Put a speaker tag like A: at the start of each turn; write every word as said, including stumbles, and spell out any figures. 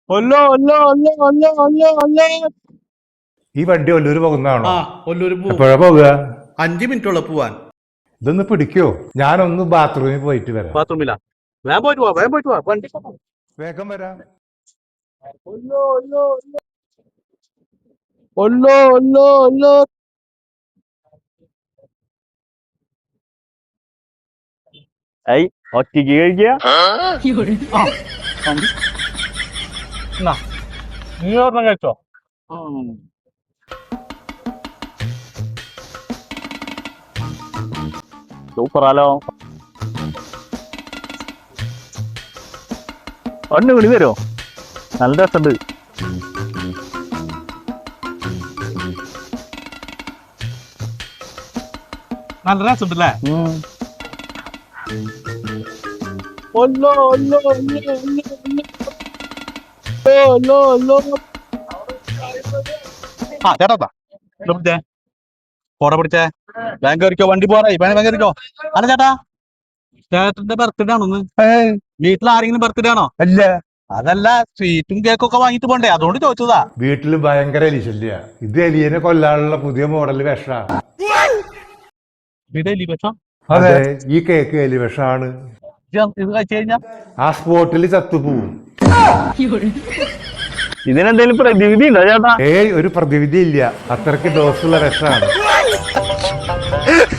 A: ഒല്ലോ ഒല്ലോ ഒല്ലോ ഒല്ലോ ഒല്ലോ ഒല്ലോ.
B: ഈ വണ്ടി ഒല്ലൂര് പോകുന്നതാണോ?
C: ആ ഒല്ലൂര് പോവും.
B: എപ്പോഴാ പോവുക?
C: അഞ്ചു മിനിറ്റുള്ള പോവാൻ.
B: ഇതൊന്ന് പിടിക്കോ? ഞാനൊന്ന് ബാത്റൂമിൽ പോയിട്ട് വരാം.
A: ബാത്റൂമിലാ? വേഗം പോയിട്ട് പോവാ, വേഗം പോയിട്ട് പോവാ. വണ്ടി
B: വേഗം വരാം.
A: ഒല്ലോ ഒല്ലോ ഒല്ലോ ഒല്ലോ ഒല്ലോ. ഐ ഒറ്റയ്ക്ക് കഴിക്കുക. നീ ഒരെണ്ണം കഴിച്ചോ? സൂപ്പറാലോ. ഒന്ന് വിളി തരുമോ? നല്ല രസമുണ്ട്.
C: നല്ല രസമുണ്ടല്ലേ?
A: ഒല്ലോ ഒല്ലോ ഒല്ലോ ഒല്ലോ ഒല്ലോ.
C: ആ ചേട്ടാ പിടിച്ചേ, ഫോട്ടോ പിടിച്ചേ. ബാങ്ക് കയറിക്കോ, വണ്ടി പോറായി. ബാങ്ക് കയറിക്കോ. അല്ല ചേട്ടാ, ചേട്ടന്റെ ബർത്ത്ഡേ ആണോന്ന്? വീട്ടിൽ ആരെങ്കിലും ബർത്ത്ഡേ ആണോ?
B: അല്ല,
C: അതല്ല, സ്വീറ്റും കേക്കും ഒക്കെ വാങ്ങിട്ട് പോണ്ടേ, അതുകൊണ്ട് ചോദിച്ചതാ.
B: വീട്ടില് ഭയങ്കര എലിശല്യ. ഇത് എലിയനെ കൊല്ലാനുള്ള പുതിയ മോഡൽ വിഷമാണ്.
C: ഇതല്ലേ പക്ഷം?
B: അതെ, ഈ കേക്ക് എലി വിഷമാണ്.
C: ഇത് കഴിച്ചു കഴിഞ്ഞാ
B: ആ സ്പോട്ടിൽ ചത്തുപോവും.
A: ഇതിനെന്തെങ്കിലും പ്രതിവിധി ഉണ്ടോ ചേട്ടാ?
B: ഏയ്, ഒരു പ്രതിവിധി ഇല്ല. അത്രയ്ക്ക് ഡോസുള്ള വിഷമാണ്.